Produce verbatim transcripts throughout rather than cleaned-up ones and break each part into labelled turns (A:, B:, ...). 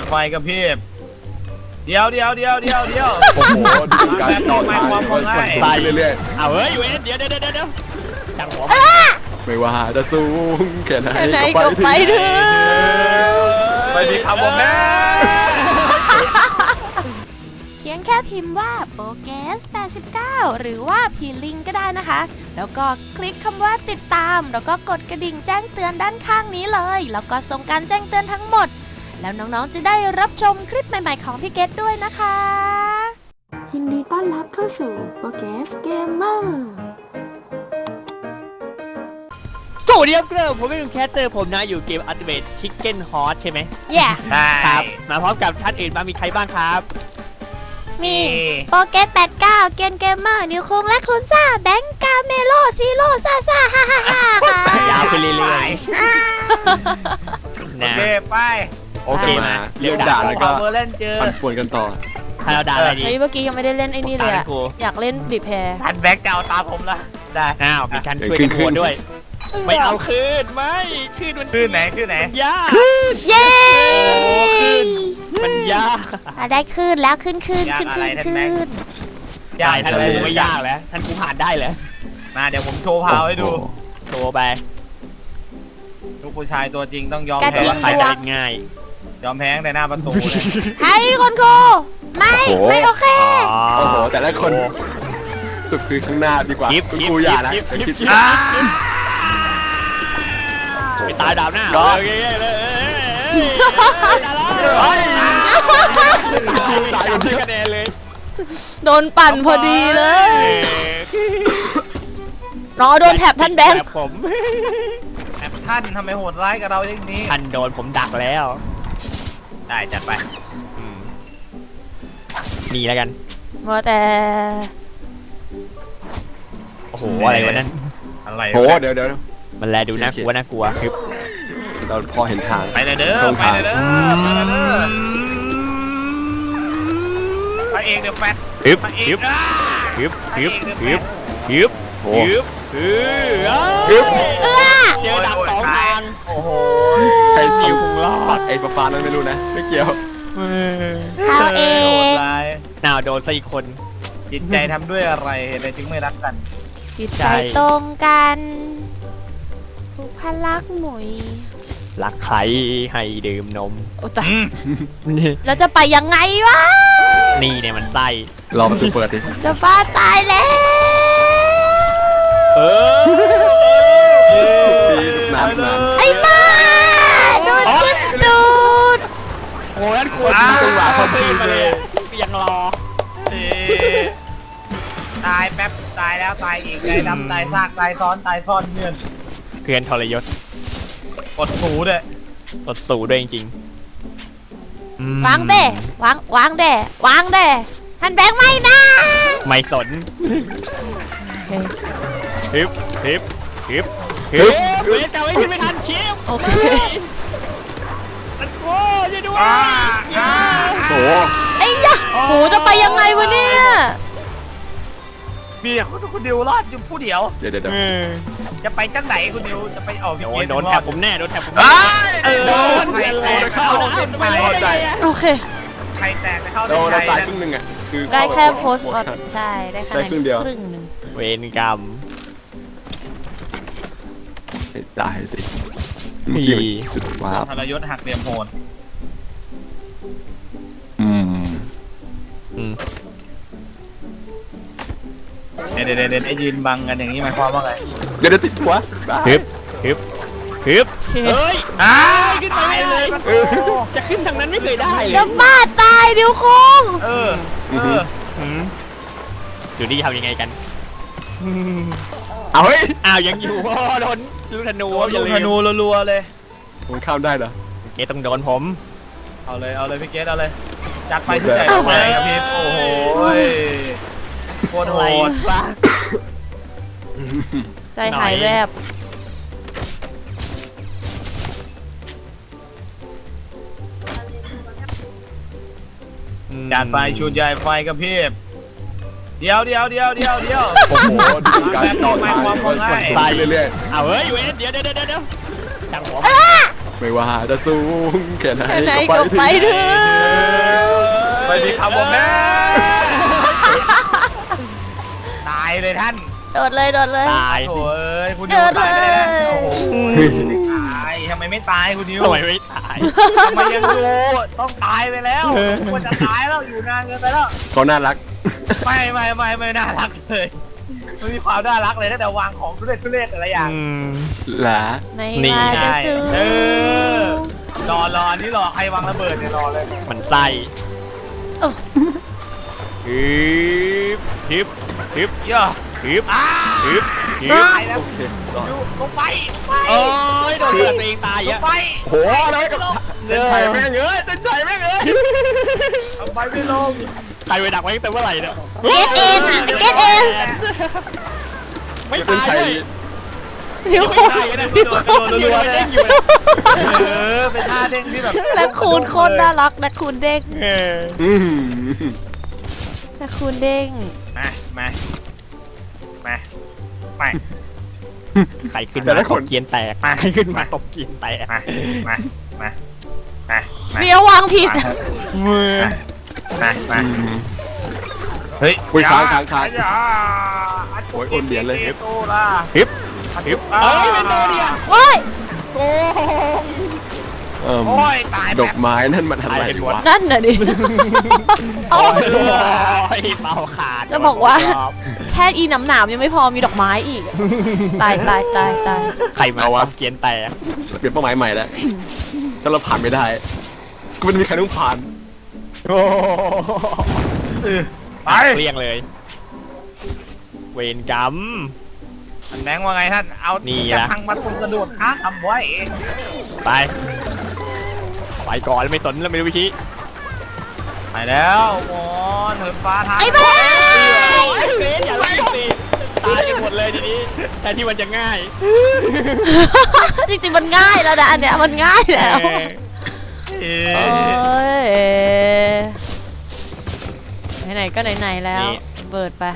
A: ไฟกระพริบเดี๋ยวเดี๋ยวเดี๋ยวเดี๋ยวเดี๋ยว
B: โอ้โหดูการต่อทางตายเรื่อย
C: ๆเอาเฮ้ยเว้ยเดี๋ยวเดี๋ยวเดี๋ยวเดี๋ยวช่างหัว
B: ไม่ว่าจะสูงแค่ไหนก็ไปถึง
A: ไปดีครับผมแม่
D: เพียงแค่พิมพ์ว่าโปเกสแปดสิบเก้าหรือว่าพีลิงก็ได้นะคะแล้วก็คลิกคำว่าติดตามแล้วก็กดกระดิ่งแจ้งเตือนด้านข้างนี้เลยแล้วก็ส่งการแจ้งเตือนทั้งหมดแล้วน้องๆจะได้รับชมคลิปใหม่ๆของพี่เกดด้วยนะคะ
E: ยินดีต้อนรับเข้าสู่โปเกสเกมเมอร์
C: สวัสดีครับผมเป็นแคสเตอร์ผมนะอยู่เกม Ultimate Chicken Horse ใช่ไหม
D: yeah
C: ครับมาพร้อมกับท่านอื่นบ้างมีใครบ้างครับ
D: มีโปเกสแปดสิบเก้าเกนเกมเมอร์นิวคงและคุณซ่าแบงกาเมโลซีโร่ซ่าซ่าฮ่าฮ่าฮ่าย
C: าวไปเรื่อย
A: ๆโอเคไป
C: โอเคมา
B: เรียกด่าแล้วก็
A: เล่นเจอ
B: ปั่นป่วนกันต่อ
C: ให้เราด่าอะไรดี
D: เฮ้ยเมื่อกี้ยังไม่ได้เล่นไอ้นี่เลยอะอยากเล่นบีบแพร
A: ทันแบ็กจะเอาตาผมละได้
C: อ้าวมีการช่วยกันโหวตด้วยไม่เอาคืนไม่คืนมัน
A: คืนไหนคืนไหน
C: ยาก
D: เย้
C: คืนมันยาก
D: ได้คืนแล้วขึ้นขึ้นขึ้นขึ้นขึ้น
C: ยากท่านกูไม่ยากแล้วท่านกูผ่านได้เลย
A: มาเดี๋ยวผมโชว์พาวให้ดู
C: โชว์ไป
A: ลูกผู้ชายตัวจริงต้องยอม
C: แพ้ใครจะง่าย
A: ยอมแพ้ในหน้าประตูเลย
D: ให้คนครูไม่ไม่โอเค
B: โอ้โหแต่ละคนสุดคือข้างหน้าดีกว่าคุณครูอย่านะ
C: ไปตายดาวหน้าโอเคเลยตายกันที่คะแนนเลย
D: โดนปั่นพอดีเลยน้องโดนแถบท่านแบงค์
C: ผม
A: แถบท่านทำไมโหดร้ายกับเราอย่างนี้
C: ท่านโดนผมดักแล้ว
A: ได้จัดไป
C: นี่แล้วกัน
D: ว่าแต่
C: โอ้โหอะไรวะนั่น
A: อะไร
B: โอ้เดี๋ยวเดี๋ยว
C: มันแลดูน่ากลัวน่ากลัวคือ
B: เราพอเห็นทาง
A: ไปเลยเด้อไปเลยเด้อไปเลยเด้อไปเองเดี๋ยวแฟด
C: ฮึบฮึบฮึบฮึบฮึบฮึบฮึบฮึบเจอดับสองทาง
A: โอ้โห
B: ใครผิวคงรอดไอ้ฟ้านั้นไม่รู้นะไม่เกี่ยว
D: เอาเอง
C: น่าโดนซะอีกคน
A: จิตใจทำด้วยอะไรเหตุใดจึงไม่รักกัน
D: จิตใจตรงกันผูกพันรักหมุย
C: รักใครให้ดื่มนม
D: โอ้ตายแล้วจะไปยังไงวะ
C: นี่เนี่ยมันไส้
B: รอประตูเปิดดิ
D: จะบ้าตายแล้ว
C: เอ
B: อ
D: ไอ้บ้าโดนจิ้มดูด
C: โอ้ยนั่นควรมีจังหวะเขาตีมาเลยยังรอ
A: ตายแป๊บตายแล้วตายอีกตายดำตายซากตายซ้อนตายซ้อนเพื่อน
C: เพื่อนทรยศ
A: กดสูด้วย
C: กดสูด้วยจริง
D: ๆวางเด้วางวางเด้วางเด้ท่านแบงค์ไม่นะ
C: ไม่สนฮิปฮิปฮิปฮิปเว้ยแต่ไม่ขึ้นไม่ทันชิป
D: โอเค
C: มันโอ้ยด้วย
B: โอ้
D: ไอ้ยะโหจะไปยังไงวะเนี่ย
A: มีคุณคุณดิวรอดอยู่ผู้เดียว
B: เดี๋ยวเดี๋ยว
A: จะไปจังไหนคุณดิวจะไปออก
C: โอ้ยโดนแถบผมแน่โดนแถบผม
A: โดนใครแตกเข้า
B: ไม่เข้าใจ
D: โอเค
A: ใครแตกเข้า
B: โดนตายครึ่งหนึ่งอ่ะคือ
D: ได้แค่โพสต์ใช่ได้แค่
B: ครึ่งเดียว
D: ครึ่งหนึ่ง
C: เวรกรรม
B: ตายสิ
C: มี
B: ว้าว
A: ทรยศหักเหลี่ยมโหด
B: อืม
C: อืม
A: เดี๋ยวเดี๋ยวเดี๋ยวไอ้ยืนบังกันอย่างนี้หมายความว่าไง
B: เดี๋ยวติดหัว
C: ฮึบฮึบฮึบเฮ้ย
A: อ้า
C: ขึ้นไปเลยจะขึ้นทางนั้นไม่เคยได้
D: จะบ้าตายเดี๋ยวคง
A: เออเออ
C: ดูนี่ทำยังไงกัน
B: เอาเฮ้ย
C: อ้าวยังอยู่โดนลูกธนู
A: ลูกธนูรัวๆเลย
B: มันข้ามได้เหรอ
C: เกตต้องโดนผม
A: เอาเลยเอาเลยพี่เกตเอาเลยจัดไปที่ไหนไปครับพี่โอ้โหโคตรโหด
D: ใจหายแวบ
A: จัดไปชุดใหญ่ไฟกระพริบเดี๋ยวเดี๋ยวเดี๋ยวเดี๋ยวเดี๋ยว
B: โอ้โหดูการต่อทาง
A: ตาย
B: เรื่อย
C: ๆเอาเฮ้ยเว้ยเดี๋ยวเดี๋ยวเดี๋ยวเดี๋ยวช่างหัว
B: ไม่ว่าจะสูงแค่ไหน
D: แค่ไหน
B: ก็
D: ก็ไป
B: ไป
D: เถ
B: ถึง
D: อะ
A: ไปดีครับผมแม่ตายเลยท่าน
D: โดดเลยโดดเลย
C: ตาย
A: โถ่เอ้ยคุณนิ
D: เดิ
A: วน ตายไปเลยนะ
D: เลย
A: โอ้โหตายทำไมไม่ตายคุณนิว
C: ทำไมไม่ตาย
A: ทำไมยังอยู่ต้องตายไปแล้วควรจะตายแล้วอยู่นานเกินไปแล้ว
B: เขาน่ารัก
A: ไม่ไม่ไม่ไม่น่ารักเลยไม่มีความน่ารักเลยตั้งแต่วางของทุเรศทุเรศแต่ละอย่าง
C: อืม
B: หลา
D: ไม่
C: นี่
D: ว่าจะสู
A: เออ รอรออันนี้รอใครวางระเบิดเนี่ยรอเลย
C: มันไส้ฮึบฮึบฮึบ
A: เยอะ
C: ฮึบ
A: อ้า
C: ฮึบฮึ
A: ตา
C: บ
A: ยแล้ว
B: โอเครอด
A: อยู่ลงไปลงไป
C: โอ้ยโดนเลือดตัวเองตาย
A: ล
C: อ่ะ
A: งไป
B: โหอะไรกับเต้นชัยแม่งเอ้ยเต้นชัยแม่งเอ้ย
A: ลงไปไม่ลง
C: ใครไปดักไว้ตั้งแต่เมื่อไหร่เนี่ย
D: เก็ตเองอ่ะเก็ตเอง
C: ไม่
B: เต้น
C: ตาย
B: ชัย
C: เลย
D: พี่
C: ไม่
D: คูณ
C: ตายนะ
A: กระโดดกระโดดรัวๆเลย
C: อยู่เลย
A: เออเป็นท่าเด้งที่แบบ
D: และคูณโคตรน่ารักและคูณเด้ง
C: เออ
B: อืม
D: และคูณเด้ง
A: มามามามา
C: ใครขึ้นมาตบเกียนแตกใครขึ้นมาตบเกียนแตก
A: มามามามามา
D: เบียววางผิด
C: มือ
A: มามาเฮ้ย
B: อุ้ยค้างค้างค้าง
A: อย่า
B: โอ้ยโอนเหรียญเลย
A: โตล่ะ
C: ฮึบฮึบเอ้ยเป็นโดเดีย
D: โอ้ย
B: เอิ่ม
A: โอ้ยตาย
B: ดอกไม้นั่นมันอะไรวะ
D: นั่นน่ะดิ
C: โอ้
D: โอ้
C: ยเป่าขาด
D: จะบอกว่า แค่อีหนำหนามยังไม่พอมีดอกไม้อีก ตายตายตายตาย
C: ใครมาตบเกียนแตก
B: เปลี่ยนเป้าหมายใหม่แล้วถ้าเราผ่านไม่ได้ก็ไม่มีใครต้องผ่าน
C: โอ้
A: ไป
C: เกลี้ยงเลย เวรกรรม
A: อันแบงค์ว่าไงท่านเอา
C: นี่
A: จะ
C: ละ
A: พังมาตุนกระโดดค้าทำไว้
C: ไปไปก่อนไม่สนแล้วไม่รู้วิธี
A: ไปแล้วหมอนเหินฟ้าทาง
D: ไอ้แม่
C: เบนอย่ารีบสิตายกันหมดเลยทีนี้แทนที่มันจะง่าย
D: จริงๆมันง่ายแล้วนะอันเนี้ยมันง่ายแล้ว
A: เอ
D: โอ้
A: อย
D: ไหนๆก็ไหนๆแล้วเบิดไป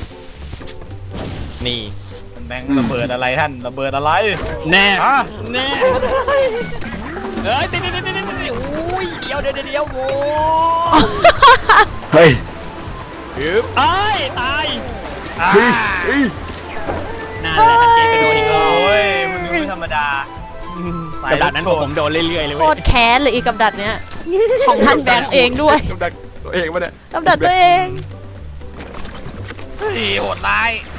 C: นี่
A: อันแบงค์ระเบิดอะไรท่านระเบิดอะไร
C: แน่
A: ฮะ
C: แน่เอ้ยติดติดติดติดติดอุ้ยเดี๋ยวเดี๋ยวเดี๋ยวโว้
B: เฮ้ย
C: ฮึบเอ้ยตาย
A: อ่า
B: เฮ้ยเฮ้ย
C: นั่นแหละเกมกระโดดอีกรอบ
A: โอ้ยคุณนิวไม่ธรรมดา
C: กระดาษนั้นผมโดนเรื่อยๆเลย
D: โค
C: เว้ย
D: ตรแค้นเลยอีกับดักเนี้ย ของท่านแบงค์เองด้วย
B: กำดักตัวเองวะเนี่ย
D: กับดักตัวเอง
A: เฮ้ยโหดร้าย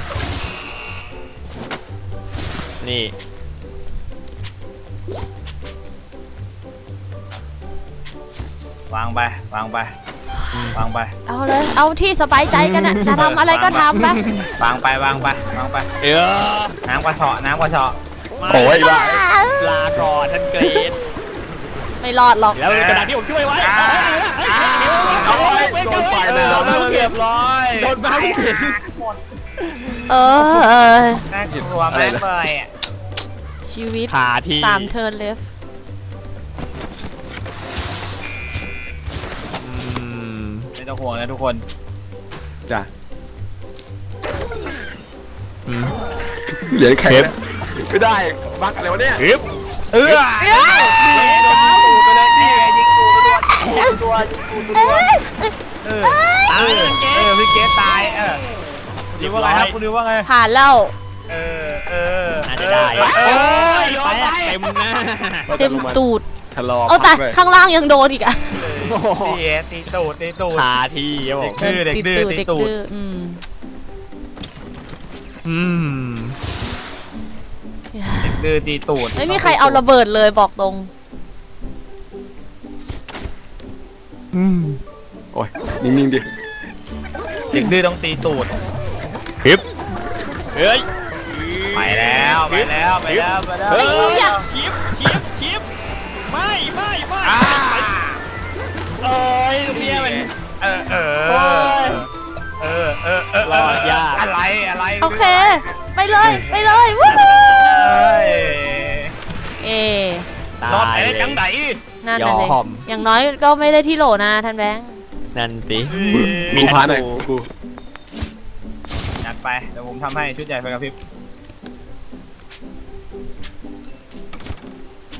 C: นี่
A: วางไปวางไปวางไป
D: เอาเลย เอาที่สบายใจกันนะจะทำอะไรก็ทำไป
A: วางไปวางไปวางไป
C: เออ
A: น้ำกระเฉาะน้ำกระเฉาะ
B: โอ้ยว่า
C: ลาก่อนท่านเกรด
D: ไม่รอดหรอก
C: แล้วกระดาษที่ผมช่วยไว้
B: โอ้ยโดนไฟ
A: เอ
B: แล้
A: อ
B: ว
A: เรียบร้อย
C: โดนบ้าเข็น
D: เออเออ
A: น่ากลัวมากเลยอ่ะ
D: ชีวิต
C: ขาที่
D: สามเทิร์นเลฟ
A: ไม่ต้องห่วงนะทุกคน
B: จ้ะ
C: อืม
B: เหรียญแข็งนะไม่ได้บักอะไรวะเนี่ย
C: ฮึบ
A: เออโดนตูดไปเลยนี่ไงยิงตูดไปด้วยยิงตัวยิงตูดไปด้วยเออเออเออพี่เกสตายเออดิวว่าไงครับคุณดิวว่าไง
D: ผ่านแล้ว
A: เออเออ
C: น่าจะได้
A: โอ้
C: โอ้
A: ย
C: ย
A: โย
C: ไป
A: นไป
C: เต็มหน้า
D: เต็มตูด
B: ชะลอ
D: เอาแต่
B: พักเลย
D: ข้างล่างยังโดนอีกอะ
A: ตีเอตีตูดตีตูด
C: ขาที่ครับผม
A: ดื้อเด็กดื้อ
D: เด็ก
A: ตีตูด
D: ดื้ออืม
C: อืม
A: เด็กดื้อตีตูด
D: ไม่มีใครเอาระเบิดเลยบอกตรง
C: อืม
B: โอ้ยนิ่งๆดิ
A: เด็กดื้อต้องตีตูด
C: ฮึบเฮ้ย
A: ไปแล้วไปแล้วไปแล้วไปแล้ว
C: เฮ้ย
D: ไอ้เหี้ย
C: คลิปคลิปคลิปไม่ไม่ไม่
A: อ่า
C: โอ้ยตรงเนี้ยมัน
A: เออเออ
C: โอ้ย
A: เออเออเออ
C: รอดยาก
A: อะไรอะไร
D: โอเค ไปเลยไปเลยวู้ฮู้
A: เอ้ย
D: เอ
C: ตาย
A: รอดไปได้จังไหน
D: นั่นน่ะสิ
C: ยอม
D: อย่างน้อยก็ไม่ได้ที่โหลนะท่านแบงค์
C: นั่นสิ
B: กูพาหน่อยกู
A: จัดไปเดี๋ยวผมทำให้ชุดใหญ่ไฟกระพริบ
B: ก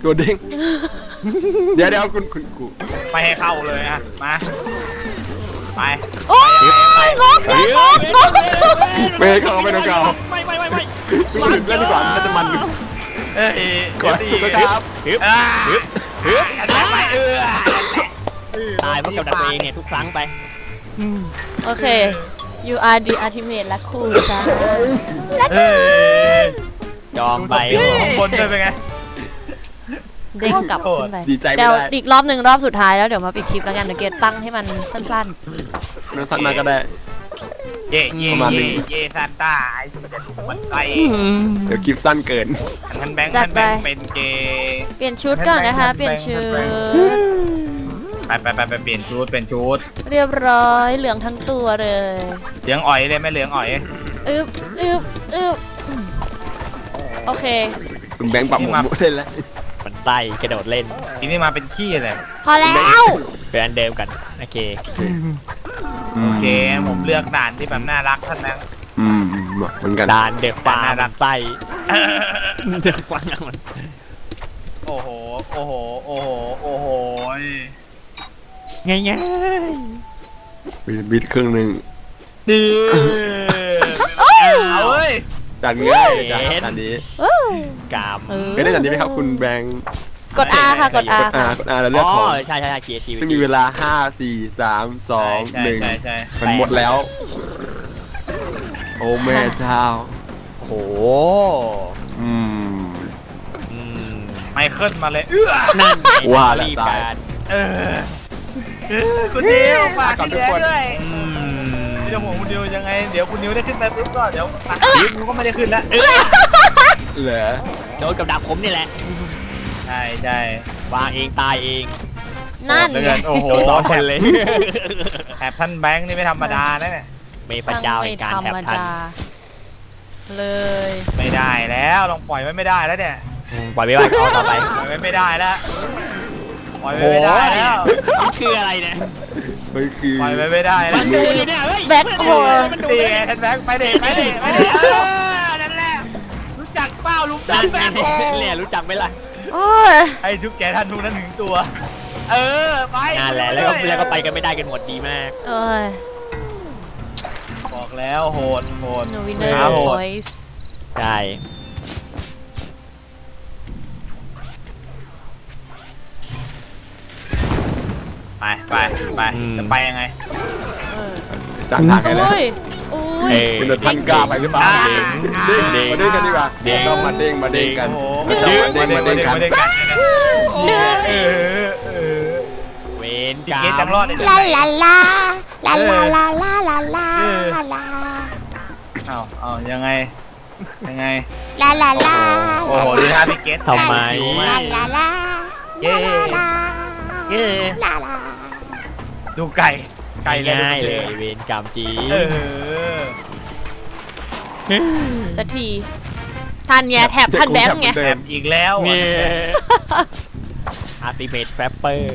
B: ตัวเด้งเดี๋ยวเดี๋ยวคุณคุณกู
A: ไม่ให้เข้าเลยอะมาไป
D: โอ้ยงกเลยงกงก
B: ไม่เข้าไม่ต้องเข้า
C: ไม่ไม่ไม่ไม่
B: ไม่ถึงเล่นดีกว่าน่าจะมัน
A: เอ้ย
B: ก่อนถูกครับ
C: ฮึบ
A: อ่า
C: ฮึบฮึบ
A: ไปเออ
C: ตายเพราะกับดักตัวเองเนี่ยทุกครั้งไป
D: โอเค you are the ultimate และคู่จ้า
A: เอ้ย
C: ยอมไป
A: ข้างบนด้วยเป็นไง
D: เด้งกลับขึ้นไป
B: ดีใจไม่
D: เดี๋ยว
B: ได้
D: อีกรอบหนึ่งรอบสุดท้ายแล้วเดี๋ยวมาปิดคลิปแล้วกันเดี๋ยวเกตตั้งให้มันสั้น
B: น้องสันมาก็ได้
A: เย่เย่
B: ประมาณนี้
A: เย่เย่ซานต้าไอ้ชิจะดูมันไป
B: เดี๋ยวคลิปสั้นเกิน
A: ท่านแบงค์ท่านแบงค์เป็นเกย์
D: ๆ เปลี่ยนชุดก่อนนะคะ เปลี่ยนชุด
A: ไปไปไปไปเปลี่ยนชุดเปลี่ยนชุด
D: เรียบร้อยเหลืองทั้งตัวเลย
A: เหลืองอ่อยเลยไหม่เหลืองอ่อย
D: อึบอึบอึบโอเค
B: คุณแบงค์ปรับหมดเล่นแล้ว
C: มันไส้กระโดดเล่น
A: ทีนี้มาเป็นขี้เลย
D: พอแล้ว
C: เป็นอันเดิมกันโอเค
A: โอเคผมเลือกด่านที่แบบน่ารักท่านแบงค์
B: อืมเหมือนกัน
C: ดานเด็กฟาร์มไส้เด็กฟาร์มมัน
A: โอ้โหโอ้โหโอ้โหโอ้โห
C: ง่ายง่าย
B: บิดครึ่งหนึ่ง
A: ดื้อเอาเว้ย
B: ดันง่ายเลยจ้ะดันนี้
D: อู้
C: กาม
D: เออ
B: เคยได้ดันนี้ไหมครับคุณแบงค์
D: กด R ค่ะกด
B: ก
D: R
B: ด R กด R แล้วเลื
C: อ๋
B: อก
C: อ
B: ของ
C: ใช่ใช่ใช่เกียร์ที
B: ซึ่งมีเวลาห้า สี่ สาม สอง
A: ใช่
B: หนึ่ง
A: ใช่ใช่
B: มันหมดแล้ว โอ้แม่เจ้า
C: โอ้โห
B: อืม
C: อืม
A: ไมเคิลมาเลยเอื้อ
C: นั่น
B: ว่าแล้ว
C: รีบ
B: ตาย
C: การ
A: เออเออคุณนิวฝาก
B: ก่อน
A: พี่
B: ทุก
A: แดง
B: คน
A: ด้วย
C: อืม
A: เดี๋ยวผมคุณนิวยังไงเดี๋ยวคุณนิวได้ขึ้นไปปุ๊บก็เดี๋ยวนิวก็ไม่ได้ขึ้นแล้ว
B: เหรอ
C: โดนกับดักผมนี่แหละ
A: ใช่ใช่
C: วางเองตายเอง
D: นั่น
A: เดื
D: ไง
A: อนโอ้โห
C: โดนสองคนเลย
A: แถบท่านแบงค์นี่ไม่ธรรมดานะเนี่ย
C: เมย์พระเจ้า
D: ไม่
C: แห่งการ
D: ธร
C: แถบ
D: รม
C: ทัน
D: ดาเลย
A: ไม่ได้แล้วลองปล่อยไว้ไม่ได้แล้วเนี่ย
C: อืมปล่อยไปว่าเขาต่อไป
A: ปล่อยไว้ไม่ได้แล้วปล่อย
C: โอ้
A: ไว้
C: โห
A: ไม่ได้แล้ว
C: นี่คืออะไรเนี่ย
B: มันคือ
A: ปล่อยไว้ไม่ได้แล้
C: มั
A: วน
C: ดูดิเนี่ยเฮ้ย
D: แบ็คโฮล
C: มันดู
A: ดี
C: ดิ
A: ไงท่านแบงค์ไปเด็ไปเด็ไปเด็เออนั่นแหละรู้จักเป้าลุง
C: นั่
A: จั
C: น
A: กแบงค์โฮ
C: เนี่ยรู้จักไหมล่ะ
D: โอ้ย
A: ให้ทุกแกท่านทุกนั้นถึงตัว เออไป
C: นั่นแหละแล้วก็แล้วก็ไปกันไม่ได้กันหมดดีมาก
D: โอ้ย
A: บอกแล้วโหดโหด
D: หนูวินเนอร์
A: ขาโห
D: โอ
A: ด
D: ยส์
C: ใช่
A: ไปไปไปจะไปยังไง
B: สั่งทางให้แล้ว
D: อุ้ยอุ้ย
C: เอ้ย
B: เป็นรถพันกล้าไปหรือเปล่า
A: อ่า
B: เด้งเด้งมาเด้งกันดีกว่าเด้งต้องมาเด้งมาเด้งกัน
A: โอ้โห
B: ไม่ต้องมาเด้งมาเด้งกัน
A: มาเด้งกัน
D: หนึ่ง
A: เออเออ
C: เวน
A: พี่
C: กา
A: เกต
C: ม
A: จำรอดได้
D: ลาลาลาลาลาลาลาลาลาลาลา
A: เอาเอายังไงยังไง
D: ลาลาลา
A: โอ้โหดูท่าพี่เกต
C: ทำไม
D: ลาลาลา
A: เย้
D: ลา
A: เย้
D: ลาลา
A: ดูไก่ไก่
C: ง่ายเลยเวนกามจี
A: เออ
D: สักทีทันไงแถบทันแบงค์ไง
B: เดิ
A: แถ
B: ม
A: มอีกแล้ว
C: เนี่ยอาร์ติเมทแฟปเปอร์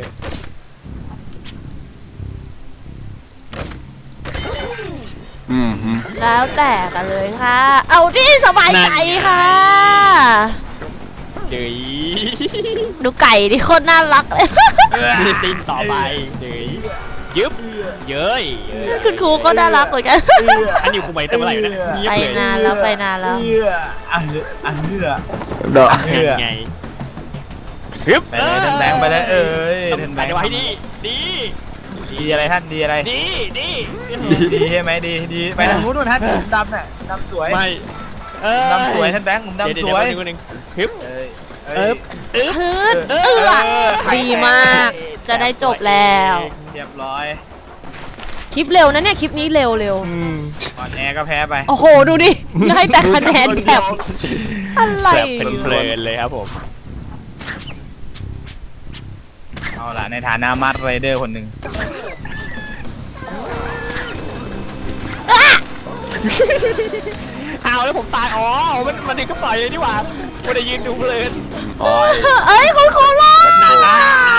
B: อืมฮึ
D: แล้วแต่กันเลยค่ะ เอาที่สบายใจค่ะ
C: เดือย
D: ดูไก่ดิโคตรน่ารักเลย
C: มีตินต่อไปเดือยยึบเย้ยเย้ย
D: คุณครูก็น่ารักเหมือนกัน
C: อันนี้ครูไปตั้งเมื่อไหร่นะเงียบ
D: ไป
C: เลย
D: นานแล้วไปนานแล้ว
A: เอื้ออันเอื้ออันเอื้อ
B: เด้อ
A: เอื้อ
C: ไงฮึบ
A: ไปเลยท่านแบงค์ไปเลยเอ้ย
C: ต้อง
A: ท่านแบ
C: ไป
A: งค์
C: ไว้ดีดี
A: ดีอะไรท่านดีอะไร
C: ดีดี
A: ดีใช่ไหมดีดีไปทางนู้นนู่นท่านผมดำน่ะดำสวย
C: ไม่เออ
A: ดำสวยท่านแบงค์ผม
C: เดี๋ยว
A: ดำ
C: เดี๋
A: ส
C: ยว
A: วย
C: นึงนึงฮึบ
A: เอ้ย
C: เอิบอึ๊บ
D: พื้นเอื้อดีมาก จะได้จบแล้ว
A: เรียบร้อย
D: คลิปเร็วนะเนี่ยคลิปนี้เร็วเร็ว
A: ก่อนแอร์ก็แพ้ไป
D: โอ้โหดูดิให้แต่คะแนนแบบอะไร
C: แบบเพลินๆเลยครับผม
A: เอาล่ะในฐานะมาร์ไรเดอร์คนหนึ่ง
C: เอาแล้วผมตายอ๋อมันมันดึงก็ปล่อยเลยนี่หว่าไม่ได้ยืนดูเพลิน
B: โอ้ย
D: เอ้ยคุณครูรอด
C: นั่นนะ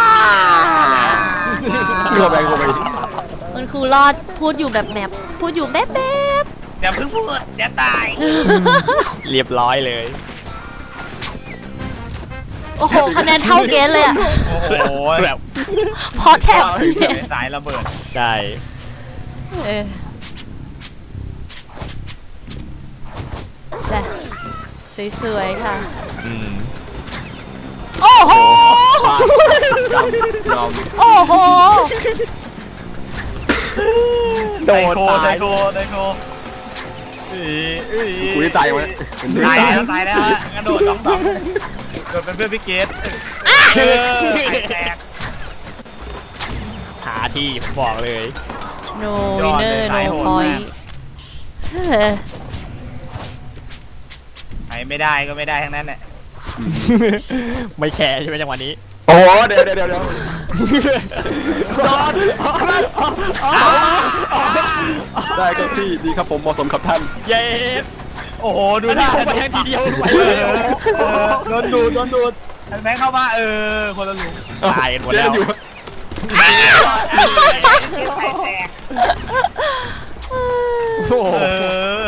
B: เข้าไปเข้าไป
D: คุณครูรอดพูดอยู่แบบแมบพูดอยู่แมบแมบ
A: อย่าเพิ่งพูดอย่าตาย
C: เรียบร้อยเลย
B: โ
D: โอ้โหคะแนนเท่าเกณฑ์เลยอะ
A: โอ้โห
C: แบบ
D: พอแถบ
A: สายระเบิด
C: ใช่
D: เออจ้ะสวยๆค่ะ
C: อืม
D: โอ้โห
B: ยอม
D: โอ้โห
C: โดน
A: ได
C: ตาย
A: โคไดโคอีอี
B: กูที่ตายมั้ย
A: ตายแล้วตายแล้วฮะกระโดดสองสองโดดเป็นเพื่อนพี่เกดเออไข่แตก
C: หาที่ผมบอกเลย
D: no
A: ยอด
D: winner
A: เลย
D: no
A: สายโหดมาก
D: point เออ
A: ใครไม่ได้ก็ไม่ได้ทั้งนั้นแหละ
C: ไม่แคร์ใช่ไหมจังหวะนี้
B: โอ้เดี๋ยวเดี๋ยวเดี๋ยวเดี๋ยวได้ครับพี่ดีครับผมเหมาะสมครับท่าน
C: เย้
A: โอ้โหดู
C: อัน
A: ห
C: นี้
A: น้า
C: คงไปทางทีเดียวไป
A: เอ
C: เลย
A: อเออโดนดูดโดนดูดแบงค์เข้ามาเออคนละหลุม
C: ตายกันหมดแล้ว
B: อยู่
A: ไข่แตก
C: โอ้โห
A: เออ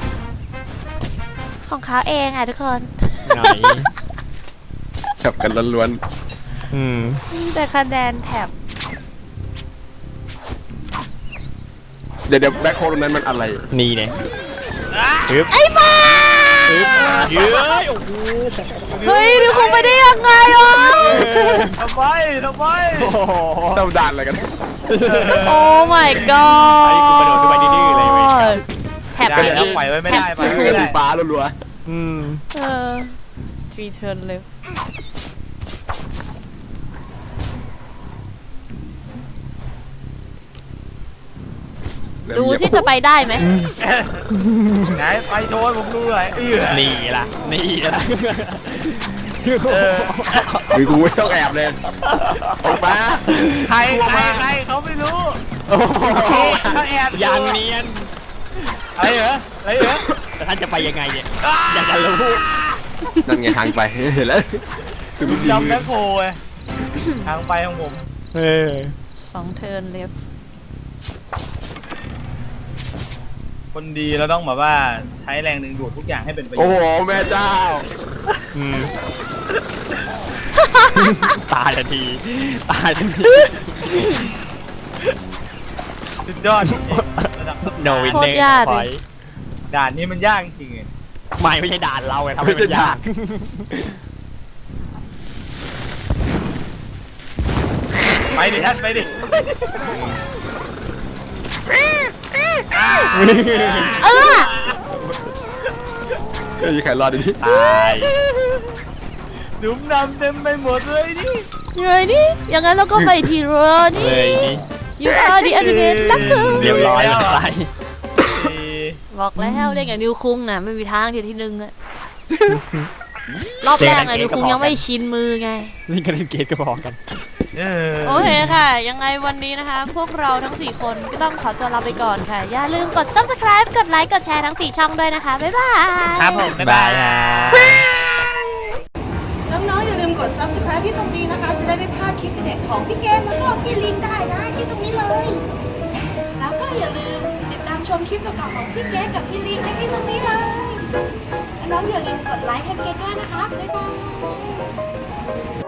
D: ของเขาเองอ่ะทุกคน
C: ไหน
B: จับกันล้วน
C: อืม
D: แต่คะแนนแถบ
B: ๆเดี๋ยวเดี๋ยวแบ็คโฮลตรงนั้นมันอะไร
C: นี่เนี่ยฮึบ
D: ไอ้บ้า
C: ฮึบเย้ยโอ้โห
D: เฮ้ยดูคงไปได้ยังไงวะ
A: ทำไมทำไม
C: โอ้โห
B: เต้าด่านอะไรกัน
D: โอ้ my
C: ไอ้กูกระโดดขึ้นไปดื้อๆเลยเว้ย
D: god แถบ
A: ได้
D: ไป
A: แล้
D: อี
A: ว
D: ก
A: ปล่อยไว้ไม่ได้ปล่อยไว้
B: คือ
A: ไม่
B: สี
A: ได้
B: ฟ้ารัว
C: อืม
D: เออ three turn left
B: ๆ
D: ดูที่จะไปได้ไหม
A: ไหนไปโชว์ผมดูหน่อยเออ
C: นี่ล่ะนี่ล่ะ
A: เออ
B: หรือกูไม่ต้องแอบเลยออกมา
A: ใครใครใครเขาไม่รู้
C: โอ้โห
A: เขาแอบ
C: ยังเนียน
A: อะไรเหรออะไรเหรอ
C: แต่ท่านจะไปยังไงเนี่ยอยากจะรู้
B: นั่นไงทางไปเห็นแล้วคือมัน
A: จำแบ็คโฮไงทางไปของผม
C: เออ
D: สอง turn left
A: คนดีเราต้องแบบว่าใช้แรงดึงดูดทุกอย่างให้เป็นประโย
B: โอ้
A: ช
B: โห
A: น์
B: แม่เจ้า
C: อืมตายทันทีตายทันที
A: สุดยอดจริงๆระดับ
C: โนวิน
D: โค
C: เน
D: ต
C: อ
D: รยาก
C: ร์
D: เลย
C: พอย
A: ด่านนี้มันยากจริงๆ
C: ไม่ไม่ใช่ด่านเราไงทำให้มันยาก
A: ไปดิท่านไปดิ
D: เออ
B: เฮ้ยใครรอดดิ
C: ตาย
A: หลุมดำเต็มไปหมดเลยนี่
D: เฮ้ยนี่อย่างนั้นเราก็ไปทีเรือนี่
C: เลยนี่
D: you are the ultimate ลักคือ
C: เรียบร้อยแล้วตาย
D: บอกแล้วเล่นกับนิวคุงน่ะไม่มีทางที่ที่หนึ่งอะรอบแรกน่ะนิวคุงยังไม่ชินมือไง
C: เล่นกันเล่นเกมก็พอกัน
A: เออ
D: โอเคค่ะ ยังไงวันนี้นะคะ พวกเราทั้งสี่คนก็ต้องขอตัวลาไปก่อนค่ะ อย่าลืมกด subscribe กดไลค์กดแชร์ทั้งสี่ช่องด้วยนะคะ บ๊ายบาย
A: ครับผมบ๊ายบาย
C: ฮะ
E: น้องๆอย่าลืมกด subscribe ที่ตรงนี้นะคะ จะได้ไม่พลาดคลิปเด็ดของพี่เกมแล้วก็พี่ลินได้นะที่ตรงนี้เลย แล้วก็อย่าลืมติดตามชมคลิปเก่าๆของพี่เกมกับพี่ลินได้ที่ตรงนี้เลยและน้องอย่าลืมกดไลค์ให้เกมด้วยนะคะบ๊ายบาย